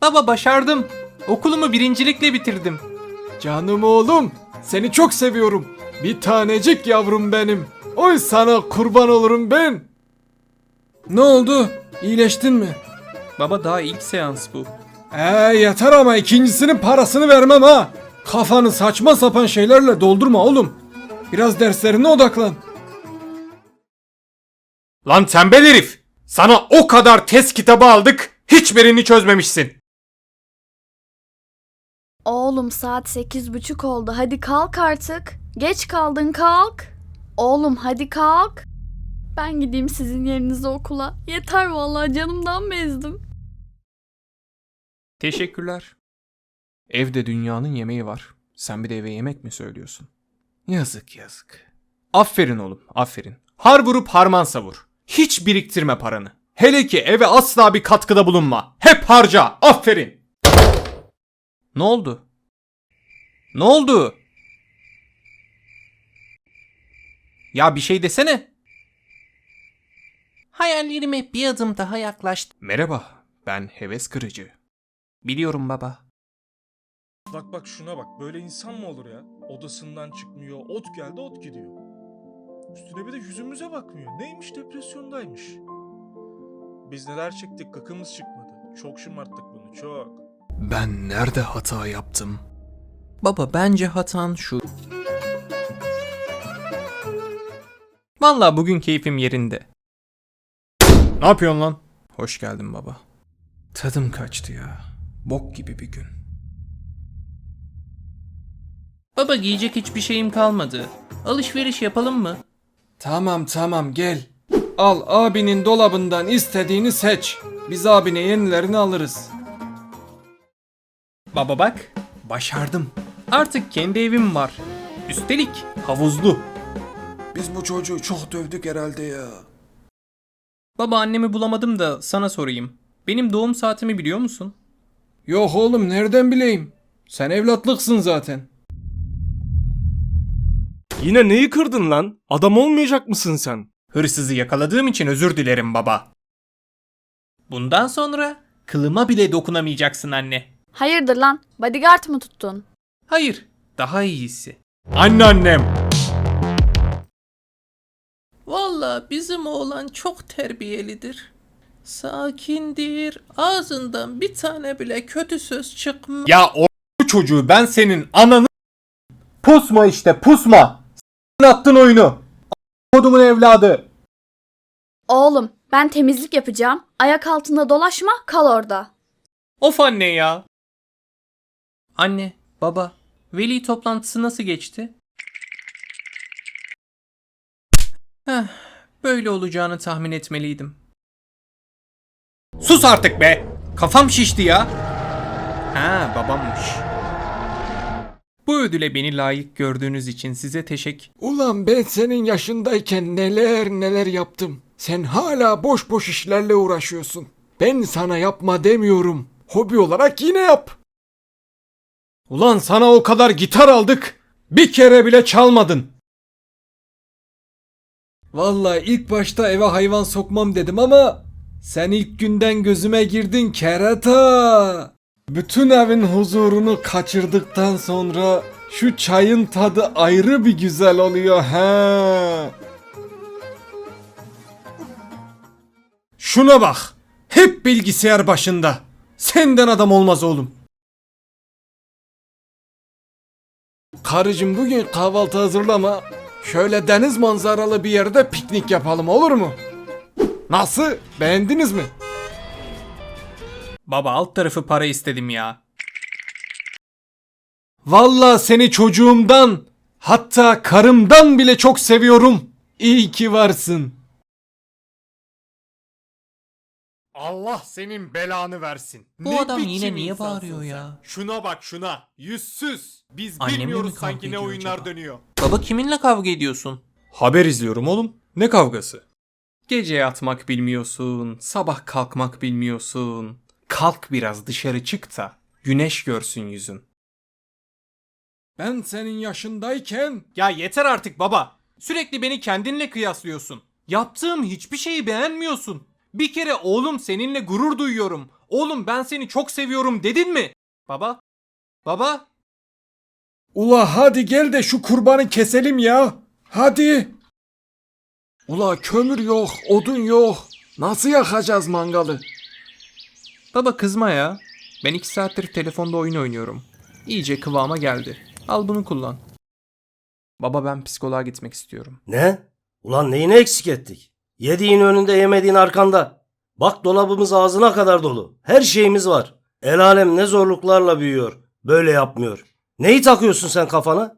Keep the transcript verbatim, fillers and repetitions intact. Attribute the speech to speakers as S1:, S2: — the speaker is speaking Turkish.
S1: Baba başardım. Okulumu birincilikle bitirdim.
S2: Canım oğlum, seni çok seviyorum. Bir tanecik yavrum benim. Oy sana kurban olurum ben. Ne oldu? İyileştin mi?
S1: Baba daha ilk seans bu.
S2: Ee yeter ama ikincisinin parasını vermem ha. Kafanı saçma sapan şeylerle doldurma oğlum. Biraz derslerine odaklan.
S1: Lan tembel herif! Sana o kadar test kitabı aldık, hiçbirini çözmemişsin.
S3: Oğlum saat sekiz buçuk oldu. Hadi kalk artık. Geç kaldın kalk. Oğlum hadi kalk. Ben gideyim sizin yerinize okula. Yeter vallahi canımdan bezdim.
S1: Teşekkürler. Evde dünyanın yemeği var. Sen bir de eve yemek mi söylüyorsun? Yazık yazık. Aferin oğlum, aferin. Har vurup harman savur. Hiç biriktirme paranı. Hele ki eve asla bir katkıda bulunma. Hep harca. Aferin. Ne oldu? Ne oldu? Ya bir şey desene. Hayallerime bir adım daha yaklaştı. Merhaba, ben heves kırıcı. Biliyorum baba.
S4: Bak bak şuna bak. Böyle insan mı olur ya? Odasından çıkmıyor. Ot geldi ot gidiyor. Üstüne bir de yüzümüze bakmıyor. Neymiş depresyondaymış. Biz neler çektik gıkımız çıkmadı. Çok şımarttık bunu çok.
S2: Ben nerede hata yaptım?
S1: Baba bence hatan şu. Vallahi bugün keyfim yerinde. Ne yapıyorsun lan? Hoş geldin baba. Tadım kaçtı ya. Bok gibi bir gün. Baba giyecek hiçbir şeyim kalmadı. Alışveriş yapalım mı?
S2: Tamam tamam gel. Al abinin dolabından istediğini seç. Biz abine yenilerini alırız.
S1: Baba bak, başardım. Artık kendi evim var. Üstelik havuzlu.
S2: Biz bu çocuğu çok dövdük herhalde ya.
S1: Baba annemi bulamadım da sana sorayım. Benim doğum saatimi biliyor musun?
S2: Yok oğlum nereden bileyim? Sen evlatlıksın zaten.
S4: Yine neyi kırdın lan? Adam olmayacak mısın sen?
S1: Hırsızı yakaladığım için özür dilerim baba. Bundan sonra kılıma bile dokunamayacaksın anne.
S3: Hayırdır lan? Bodyguard mı tuttun?
S1: Hayır, daha iyisi. Anneannem. Vallahi bizim oğlan çok terbiyelidir. Sakindir. Ağzından bir tane bile kötü söz çıkmaz. Ya o çocuğu ben senin ananı... Pusma işte pusma. Sen attın oyunu. Kodumun evladı.
S3: Oğlum ben temizlik yapacağım. Ayak altında dolaşma kal orada.
S1: Of anne ya. Anne, baba, veli toplantısı nasıl geçti? Heh, böyle olacağını tahmin etmeliydim. Sus artık be! Kafam şişti ya. Ha, babammış. Bu ödüle beni layık gördüğünüz için size teşekkür...
S2: Ulan ben senin yaşındayken neler neler yaptım. Sen hala boş boş işlerle uğraşıyorsun. Ben sana yapma demiyorum. Hobi olarak yine yap. Ulan sana o kadar gitar aldık. Bir kere bile çalmadın. Vallahi ilk başta eve hayvan sokmam dedim ama sen ilk günden gözüme girdin kerata. Bütün evin huzurunu kaçırdıktan sonra şu çayın tadı ayrı bir güzel oluyor ha. Şuna bak. Hep bilgisayar başında. Senden adam olmaz oğlum. Karıcığım bugün kahvaltı hazırlama. Şöyle deniz manzaralı bir yerde piknik yapalım olur mu? Nasıl? Beğendiniz mi?
S1: Baba alt tarafı para istedim ya.
S2: Vallahi seni çocuğumdan, hatta karımdan bile çok seviyorum. İyi ki varsın. Allah senin belanı versin.
S1: Bu adam yine niye bağırıyor ya?
S2: Şuna bak şuna. Yüzsüz. Biz
S1: Annemle mi
S2: bilmiyoruz
S1: kavga
S2: sanki ne
S1: ediyor
S2: oyunlar
S1: acaba?
S2: dönüyor.
S1: Baba kiminle kavga ediyorsun?
S2: Haber izliyorum oğlum. Ne kavgası?
S1: Gece yatmak bilmiyorsun, sabah kalkmak bilmiyorsun. Kalk biraz dışarı çık da güneş görsün yüzün.
S2: Ben senin yaşındayken...
S1: Ya yeter artık baba. Sürekli beni kendinle kıyaslıyorsun. Yaptığım hiçbir şeyi beğenmiyorsun. Bir kere oğlum seninle gurur duyuyorum. Oğlum ben seni çok seviyorum dedin mi? Baba? Baba?
S2: Ula hadi gel de şu kurbanı keselim ya. Hadi. Ula kömür yok, odun yok. Nasıl yakacağız mangalı?
S1: Baba kızma ya. Ben iki saattir telefonda oyun oynuyorum. İyice kıvama geldi. Al bunu kullan. Baba ben psikoloğa gitmek istiyorum.
S5: Ne? Ulan neyini eksik ettik? Yediğin önünde yemediğin arkanda. Bak dolabımız ağzına kadar dolu. Her şeyimiz var. El alem ne zorluklarla büyüyor. Böyle yapmıyor. Neyi takıyorsun sen kafana?